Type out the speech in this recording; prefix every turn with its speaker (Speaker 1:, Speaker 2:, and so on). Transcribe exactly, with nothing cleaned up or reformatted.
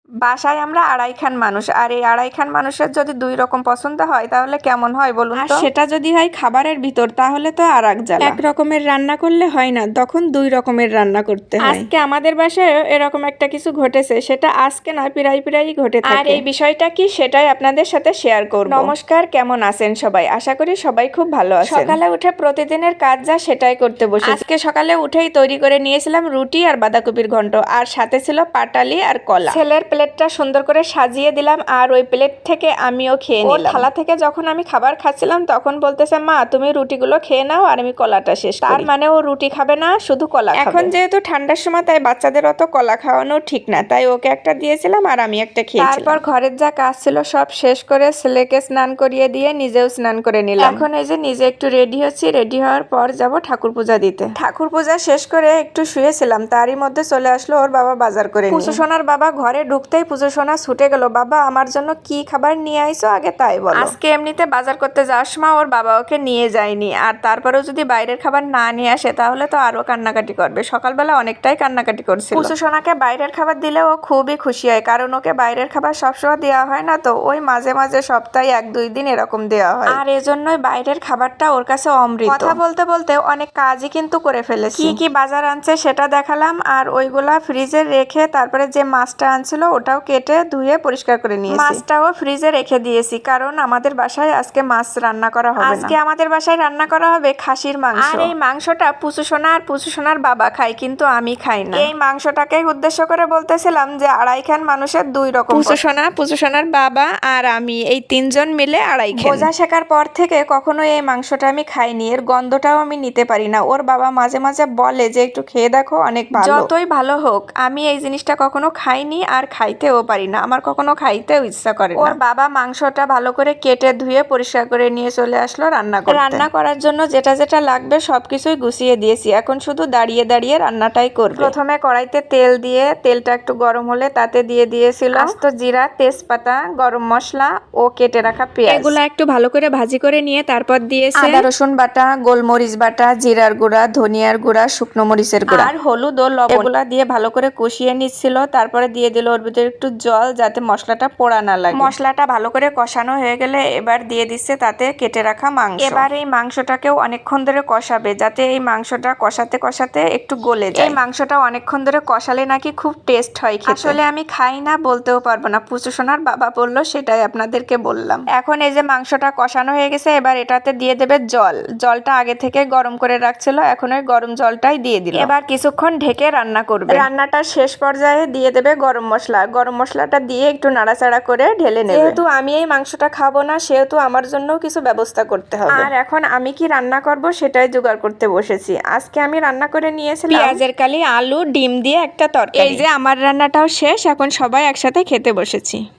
Speaker 1: বাসায় আমরা আড়াই খান মানুষ, আর এই আড়াই খান মানুষের যদি দুই রকম পছন্দ হয় তাহলে কেমন হয় বলুন তো? সেটা যদি হয় খাবারের ভিতর তাহলে তো আর এক জ্বালা। এক রকমের রান্না করলে হয় না, তখন দুই রকমের রান্না করতে হয়। আজকে আমাদের বাসায়ও এরকম একটা কিছু ঘটেছে, সেটা আজকে না প্রায় প্রায়ই ঘটে থাকে। আর এই বিষয়টা কি সেটাই আপনাদের সাথে শেয়ার করব। নমস্কার, কেমন আছেন সবাই? আশা করি সবাই খুব ভালো আছেন। সকালে উঠে প্রতিদিনের কাজ যা সেটাই করতে বসে। আজকে সকালে উঠেই তৈরি করে নিয়েছিলাম রুটি আর বাঁধাকপির ঘন্ট, আর সাথে ছিল পাটালি আর কলা। ছেলের প্লেটটা সুন্দর করে সাজিয়ে দিলাম, আর ওই প্লেট থেকে আমিও খেয়ে নিলাম। থালা থেকে যখন আমি খাবার খাচ্ছিলাম তখন বলতেছে, মা তুমি রুটিগুলো খেয়ে নাও আর আমি কলাটা শেষ করি। তার মানে ও রুটি খাবে না, শুধু কলা খাবে। এখন যেহেতু ঠান্ডার সময়, তাই বাচ্চাদের অত কলা খাওয়ানো ঠিক না, তাই ওকে একটা দিয়েছিলাম আর আমি একটা খেয়েছিলাম। তারপর ঘরের যা কাজ ছিল সব শেষ করে ছেলেকে স্নান করিয়ে দিয়ে নিজেও স্নান করে নিলাম। এখন এই যে নিজে একটু রেডি হচ্ছি, রেডি হওয়ার পর যাব ঠাকুর পূজা দিতে। ঠাকুর পূজা শেষ করে একটু শুয়েছিলাম, তারই মধ্যে চলে আসলো ওর বাবা বাজার করে। পুজো সোনার বাবা ঘরে ঢুকতেই পুজো সোনা ছুটে গেল, বাবা আমার জন্য কি খাবার নিয়ে আইছো আগে তাই বলো। আজকে এমনিতে বাজার করতে যাওয়ার সময় ওর বাবা ওকে নিয়ে যায়নি, আর তারপরেও যদি বাইরের খাবার না নিয়ে আসে তাহলে তো আরো কান্নাকাটি করবে। সকালবেলা অনেকটাই কান্নাকাটি করছিল। পুজো সোনাকে বাইরের খাবার দিলে ও খুবই খুশি হয়, কারণ ওকে বাইরের খাবার সবসময় দেওয়া হয় না, তো ওই মাঝে মাঝে সপ্তাহে এক দুই দিন এরকম দেওয়া হয়, আর এজন্যই বাইরের খাবারটা ওর কাছে অমৃত। কথা বলতে বলতে অনেক কাজই কিন্তু করে ফেলেছি। কি কি বাজার আনছে সেটা দেখালাম, আর ওইগুলা ফ্রিজে রেখে তারপরে যে মাছটা আনছিল ওটাও কেটে ধুয়ে পরিষ্কার করে নিয়েছি। মাছটাও ফ্রিজে রেখে দিয়েছি, কারণ আমাদের বাসায় আজকে মাছ রান্না করা হবে না। আজকে আমাদের বাসায় রান্না করা হবে খাসির মাংস, আর এই মাংসটা পুচু সোনা আর পুচু সোনার বাবা খায়, কিন্তু আমি খাই না। এই মাংসটাকে উদ্দেশ্য করে বলতেছিলাম যে আড়াই খান মানুষের দুই রকম। পুচু সোনা, পুচু সোনার বাবা আর আমি এই তিনজন মিলে আড়াই খান। বোঝা শেখার পর থেকে কখনো এই মাংসটা আমি খাইনি, এর গন্ধটাও আমি নিতে পারি না। ওর বাবা মাঝে মাঝে বলে যে একটু খেয়ে দেখো, অনেক ভালো। যতই ভালো হোক আমি এই জিনিসটা কখনো খাইনি আর খাইতেও পারি না, আমার কখনো খাইতেও ইচ্ছা করে না। ওর বাবা মাংসটা ভালো করে কেটে ধুয়ে পরিষ্কার করে নিয়ে চলে আসলো রান্না করতে। রান্না করার জন্য যেটা যেটা লাগবে সবকিছুই গুছিয়ে দিয়েছি, এখন শুধু দাঁড়িয়ে দাঁড়িয়ে রান্নাটাই করব। প্রথমে কড়াইতে তেল দিয়ে তেলটা একটু গরম হলে তাতে দিয়ে দিয়েছিল আস্ত জিরা, তেজপাতা, গরম মশলা ও কেটে রাখা পেঁয়াজ। এগুলা একটু ভালো করে ভাজি করে নিয়ে তারপর দিয়েছে আদা রসুন বাটা, গোলমরিচ বাটা, জিরার গুঁড়া, ধনিয়ার গুঁড়া, শুকনো মরিচের গুঁড়া আর হলুদ ও লবণ। এগুলা দিয়ে ভালো করে কষিয়ে নিচ্ছিল, তারপরে দিয়ে দিল ওর ভিতরে একটু জল যাতে মশলাটা পোড়া না লাগে। মশলাটা ভালো করে কষানো হয়ে গেলে এবার দিয়ে দিচ্ছে তাতে কেটে রাখা মাংস। এবার এই মাংসটাকেও অনেকক্ষণ ধরে কষাবে, যাতে এই মাংসটা কষাতে কষাতে একটু গলে যায়। এই মাংসটা অনেকক্ষণ ধরে কষালে নাকি খুব টেস্ট হয় খেতে। আসলে আমি খাই না, বলতেও পারবো না, পুচু সোনার বাবা বললো সেটাই আপনাদেরকে বললাম। এখন এই যে মাংসটা কষানো হয়ে গেছে, এবার এটাতে দিয়ে দেবে জল। জলটা আগে থেকে গরম করে রাখছিল, এখন ওই গরম জলটাই দিয়ে দিল। এবার কিছুক্ষণ ঢেকে রান্না করবে। রান্নাটার শেষ পর্যায়ে দিয়ে দেবে গরম মশলা। গরম মশলাটা দিয়ে একটু নাড়াচাড়া করে ঢেলে নেবে। যেহেতু আমি এই মাংসটা খাবো না, সেহেতু আমার জন্য কিছু ব্যবস্থা করতে হবে। আর এখন আমি কি রান্না করব সেটাই জোগাড় করতে বসেছি। আজকে আমি রান্না করে নিয়েছিলাম পেঁয়াজের কালি, আলু, ডিম দিয়ে একটা তরকারি। এই যে আমার রান্নাটাও শেষ, এখন সবাই একসাথে খেতে বসেছি।